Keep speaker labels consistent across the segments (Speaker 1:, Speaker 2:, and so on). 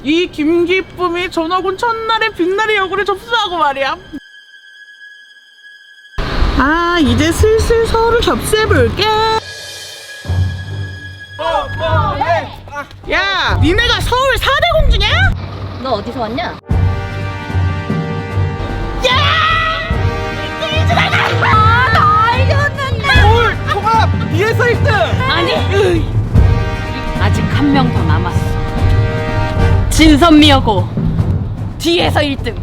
Speaker 1: 이 김기쁨이 전학 온 첫날에 빛나리 여고를 접수하고 말이야. 아, 이제 슬슬 서울을 접수해볼게. 야, 니네가 서울 4대 공주냐?
Speaker 2: 너 어디서 왔냐?
Speaker 1: 야!
Speaker 2: 나 이겼는데.
Speaker 1: 서울 통합 뒤에서 1등!
Speaker 2: 아니, 아직 한 명 더 남았어. 진선미여고 뒤에서 1등.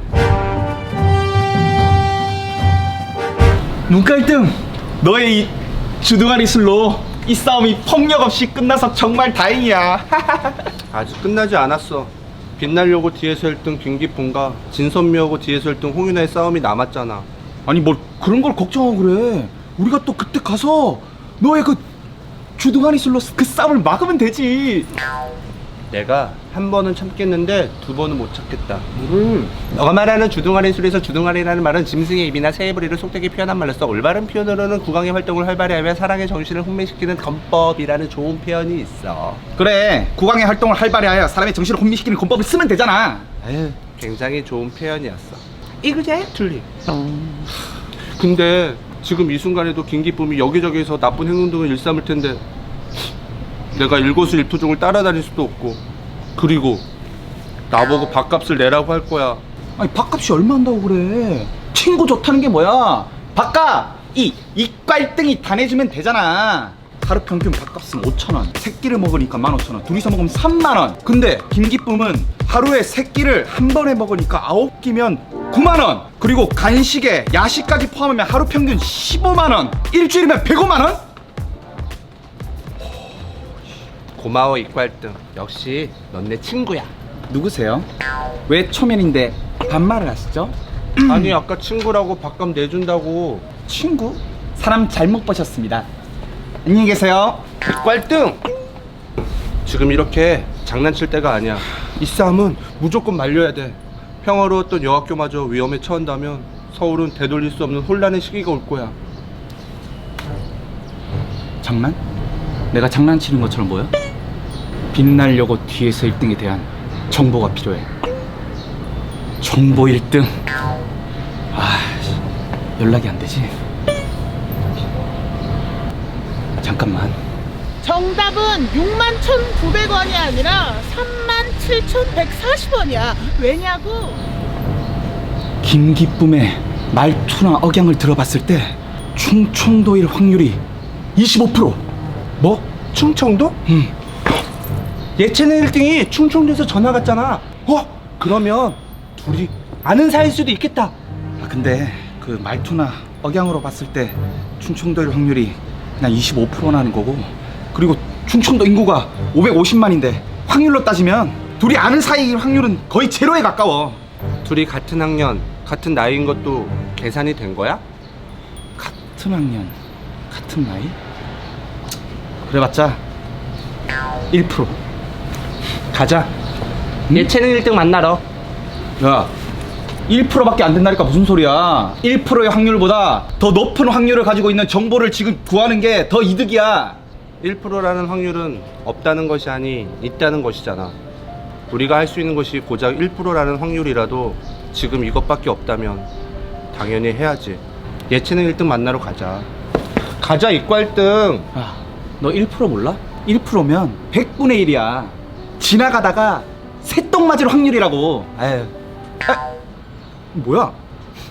Speaker 3: 눈가 1등! 너의 이 주둥아리 술로 이 싸움이 폭력 없이 끝나서 정말 다행이야.
Speaker 4: 아직 끝나지 않았어. 빛나려고 뒤에서 1등 김기쁨과 진선미하고 뒤에서 1등 홍윤아의 싸움이 남았잖아.
Speaker 3: 아니 뭘 그런 걸 걱정하고 그래. 우리가 또 그때 가서 너의 그 주둥아리 술로 그 싸움을 막으면 되지.
Speaker 4: 내가 한 번은 참겠는데 두 번은 못 참겠다. 너가 말하는 주둥아리 술에서 주둥아리라는 말은 짐승의 입이나 새의 부리를 속되게 표현한 말로써 올바른 표현으로는 국왕의 활동을 활발히 하며 사랑의 정신을 혼미시키는 건법이라는 좋은 표현이 있어.
Speaker 3: 그래, 국왕의 활동을 활발히 하여 사람의 정신을 혼미시키는 권법을 쓰면 되잖아. 에휴.
Speaker 4: 굉장히 좋은 표현이었어. 이그제 틀리. 근데 지금 이 순간에도 김기쁨이 여기저기서 나쁜 행동 등을 일삼을 텐데 내가 일거수일투족을 따라다닐 수도 없고, 그리고 나보고 밥값을 내라고 할 거야.
Speaker 3: 아니 밥값이 얼마 한다고 그래. 친구 좋다는 게 뭐야. 밥값 이과 1등이 다 내주면 되잖아. 하루 평균 밥값은 5,000원, 새끼를 먹으니까 15,000원, 둘이서 먹으면 30,000원. 근데 김기쁨은 하루에 새끼를 한 번에 먹으니까 9끼면 9만원, 그리고 간식에 야식까지 포함하면 하루 평균 15만원, 일주일이면 105만원?
Speaker 4: 고마워 이과 1등. 역시 넌 내 친구야.
Speaker 3: 누구세요? 왜 초면인데 반말을 하시죠?
Speaker 4: 아니 아까 친구라고 밥값 내준다고.
Speaker 3: 친구? 사람 잘못 보셨습니다. 안녕히 계세요.
Speaker 4: 이과 1등! 지금 이렇게 장난칠 때가 아니야. 이 싸움은 무조건 말려야 돼. 평화로웠던 여학교마저 위험에 처한다면 서울은 되돌릴 수 없는 혼란의 시기가 올 거야.
Speaker 3: 장난? 내가 장난치는 것처럼 보여? 빛나려고 뒤에서 1등에 대한 정보가 필요해. 정보 1등. 아, 연락이 안 되지. 잠깐만.
Speaker 1: 정답은 61,900원이 아니라 37,140원이야. 왜냐고?
Speaker 3: 김기쁨의 말투나 억양을 들어봤을 때 충청도일 확률이 25%.
Speaker 4: 뭐? 충청도? 예체능 1등이 충청도에서 전화 갔잖아. 그러면 둘이 아는 사이일 수도 있겠다.
Speaker 3: 아, 근데 그 말투나 억양으로 봤을 때 충청도일 확률이 그냥 25%라는 거고, 그리고 충청도 인구가 550만인데 확률로 따지면 둘이 아는 사이일 확률은 거의 제로에 가까워.
Speaker 4: 둘이 같은 학년, 같은 나이인 것도 계산이 된 거야?
Speaker 3: 같은 학년, 같은 나이? 그래봤자 1%.
Speaker 4: 가자. 예체능 1등 만나러.
Speaker 3: 야, 1%밖에 안 된다니까 무슨 소리야. 1%의 확률보다 더 높은 확률을 가지고 있는 정보를 지금 구하는 게 더 이득이야.
Speaker 4: 1%라는 확률은 없다는 것이 아니 있다는 것이잖아. 우리가 할 수 있는 것이 고작 1%라는 확률이라도 지금 이것밖에 없다면 당연히 해야지. 예체능 1등 만나러 가자. 가자 이과 1등.
Speaker 3: 야, 너 1% 몰라? 1%면 100분의 1이야. 지나가다가 새똥 맞을 확률이라고. 에휴. 뭐야?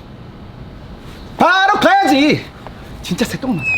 Speaker 3: 바로 가야지. 진짜 새똥 맞아네.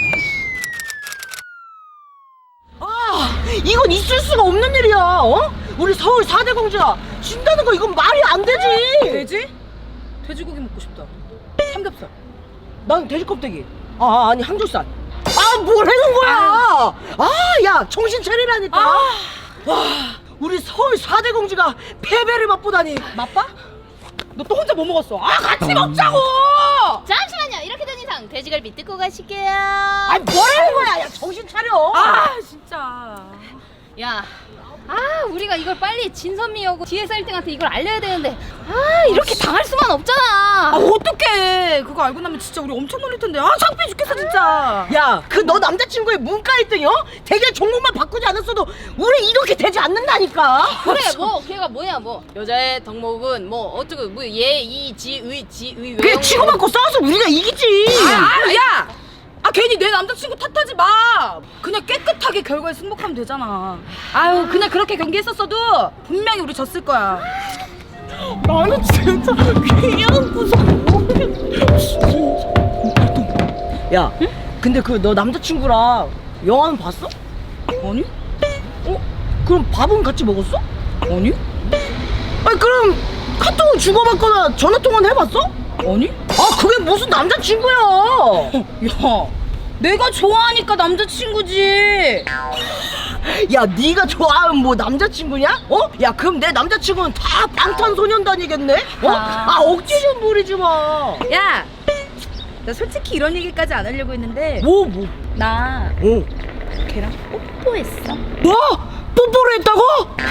Speaker 1: 이건 있을 수가 없는 일이야. 어? 우리 서울 4대 공주야. 진다는 거 이건 말이 안 되지.
Speaker 2: 돼지? 돼지고기 먹고 싶다. 삼겹살.
Speaker 1: 난 돼지 껍데기. 아니 항정살. 뭘 해놓은 거야. 야 정신 차리라니까. 와, 우리 서울 4대 공주가 패배를 맛보다니.
Speaker 2: 맛봐? 너 또 혼자 뭐 먹었어?
Speaker 1: 같이 먹자고.
Speaker 2: 잠시만요. 이렇게 된 이상 돼지갈비 뜯고 가실게요.
Speaker 1: 뭐라는 거야. 야 정신 차려.
Speaker 2: 진짜. 야, 우리가 이걸 빨리 진선미하고 뒤에서 1등한테 이걸 알려야 되는데 아 이렇게 당할 수만 없잖아.
Speaker 5: 아 어떡해. 그거 알고 나면 진짜 우리 엄청 놀릴 텐데. 아 창피해 죽겠어 진짜.
Speaker 1: 야, 그 너 남자친구의 문과 1등이요? 대결 종목만 바꾸지 않았어도 우리 이렇게 되지 않는다니까.
Speaker 2: 그래 뭐 걔가 뭐냐 뭐 여자의 덕목은 뭐 어쩌고 뭐 예이지의
Speaker 1: 그래 치고받고 싸워서 우리가 이기지.
Speaker 5: 야! 아 괜히 내 남자친구 탓하지 마. 그냥 깨끗하게 결과에 승복하면 되잖아. 아유 그냥 그렇게 경기했었어도 분명히 우리 졌을 거야.
Speaker 1: 나는 진짜 그냥 무서워. 야, 근데 그 너 남자친구랑 영화는 봤어?
Speaker 5: 아니?
Speaker 1: 그럼 밥은 같이 먹었어?
Speaker 5: 아니?
Speaker 1: 아니 그럼 카톡을 주고받거나 전화통화는 해봤어?
Speaker 5: 아니?
Speaker 1: 아 그게 무슨 남자친구야.
Speaker 5: 야 내가 좋아하니까 남자친구지.
Speaker 1: 야 네가 좋아하는 뭐 남자친구냐? 어? 야 그럼 내 남자친구는 다 방탄소년단이겠네? 어? 아 억지 좀 부리지 마.
Speaker 5: 야! 나 솔직히 이런 얘기까지 안 하려고 했는데
Speaker 1: 뭐?
Speaker 5: 나
Speaker 1: 어?
Speaker 5: 걔랑 뽀뽀했어.
Speaker 1: 뭐? 뽀뽀를 했다고?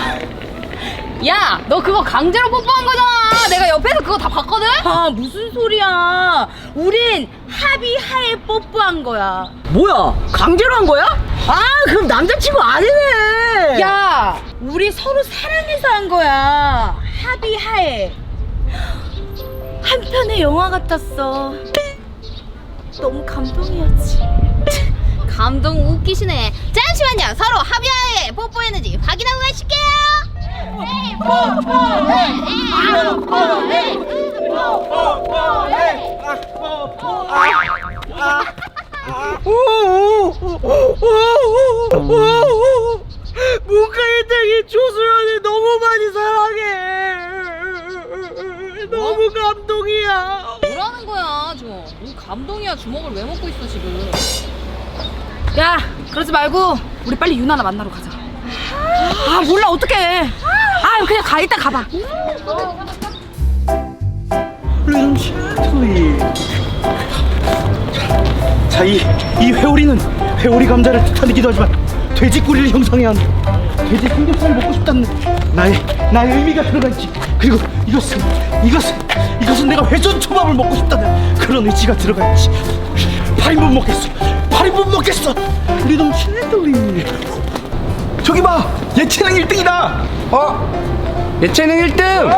Speaker 2: 야 너 그거 강제로 뽀뽀한 거잖아. 내가 옆에서 그거 다 봤거든.
Speaker 5: 아 무슨 소리야. 우린 합의하에 뽀뽀한 거야.
Speaker 1: 뭐야? 강제로 한 거야? 아 그럼 남자친구 아니네.
Speaker 5: 야 우리 서로 사랑해서 한 거야. 합의하에. 한 편의 영화 같았어. 너무 감동이었지.
Speaker 2: 감동 웃기시네. 잠시만요. 서로 합의하에 뽀뽀했는지 확인하고 가실게요.
Speaker 1: 문과 1등이 조수연을 너무 많이 사랑해. 너무 감동이야.
Speaker 2: 뭐라는 거야 주먹. 뭔 감동이야. 주먹을 왜 먹고 있어 지금.
Speaker 5: 야 그러지 말고 우리 빨리 유나나 만나러 가자. 아 몰라 어떡해. 아 그냥 가. 일단 가봐.
Speaker 3: 자, 이 회오리는 회오리 감자를 뜻하기도 하지만 돼지꼬리를 형성해야 한다. 돼지 삼겹살을 먹고 싶다는 나의 의미가 들어가 있지. 그리고 이것은 내가 회전 초밥을 먹고 싶다는 그런 의지가 들어가 있지. 파리 못 먹겠어. 리듬 칠레돌리. 저기 봐, 예체능 1등이다.
Speaker 4: 예체능 1등!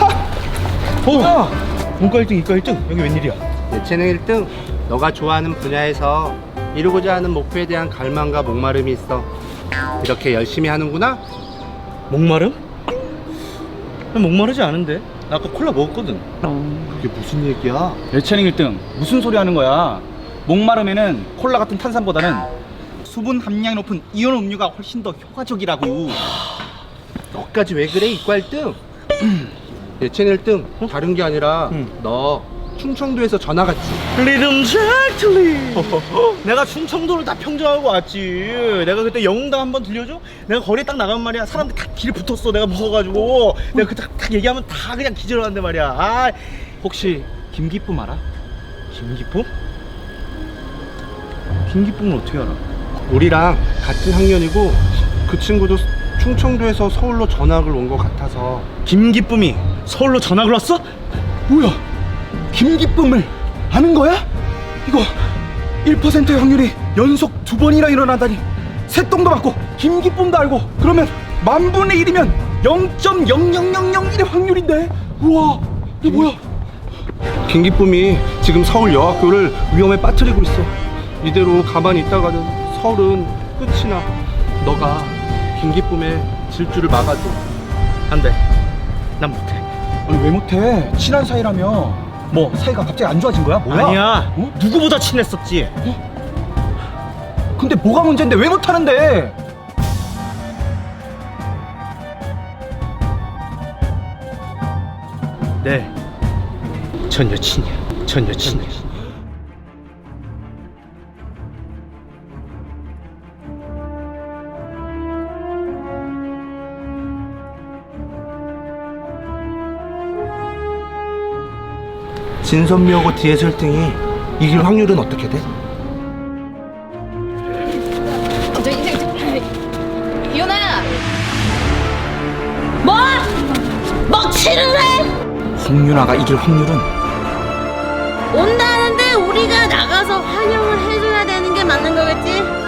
Speaker 3: 문과 1등, 이과 1등. 여기 웬일이야?
Speaker 4: 예체능 1등! 너가 좋아하는 분야에서 이루고자 하는 목표에 대한 갈망과 목마름이 있어. 이렇게 열심히 하는구나?
Speaker 3: 목마름? 난 목마르지 않은데. 나 아까 콜라 먹었거든.
Speaker 4: 그게 무슨 얘기야?
Speaker 3: 예체능 1등 무슨 소리 하는 거야? 목마름에는 콜라 같은 탄산보다는 수분 함량이 높은 이온 음료가 훨씬 더 효과적이라고.
Speaker 4: 너까지 왜 그래 이과 1등? 예체능 1등 다른 게 아니라 너 충청도에서 전화 갔지?
Speaker 3: 리듬 잭틀리. 내가 충청도를 다 평정하고 왔지. 내가 그때 영웅당 한번 들려줘? 내가 거리에 딱 나가면 말이야 사람들 다 길에 붙었어. 내가 무서워가지고 내가 그 딱 얘기하면 다 그냥 기절하는데 말이야. 아 혹시 김기쁨 알아? 김기쁨? 김기쁨을 어떻게 알아?
Speaker 4: 우리랑 같은 학년이고 그 친구도 충청도에서 서울로 전학을 온 것 같아서.
Speaker 3: 김기쁨이 서울로 전학을 왔어? 뭐야? 김기쁨을 아는 거야? 이거 1%의 확률이 연속 2번이나 일어나다니. 새똥도 맞고 김기쁨도 알고 그러면 10,000분의 1이면 0.00001의 확률인데. 우와 이게 뭐야?
Speaker 4: 김기쁨이 지금 서울 여학교를 위험에 빠뜨리고 있어. 이대로 가만히 있다가는 서울은 끝이 나. 너가 김기쁨의 질주를 막아줘.
Speaker 3: 안 돼. 난 못해. 아니 왜 못해? 친한 사이라며. 뭐 사이가 갑자기 안 좋아진 거야? 뭐야? 아니야. 어? 누구보다 친했었지. 근데 뭐가 문제인데 왜 못하는데? 네. 전 여친이야.
Speaker 4: 진선미하고 뒤에서 1등이 이길 확률은 어떻게 돼?
Speaker 2: 이윤아
Speaker 3: 송윤아가 이길 확률은
Speaker 1: 온다는데 우리가 나가서 환영을 해줘야 되는 게 맞는 거겠지?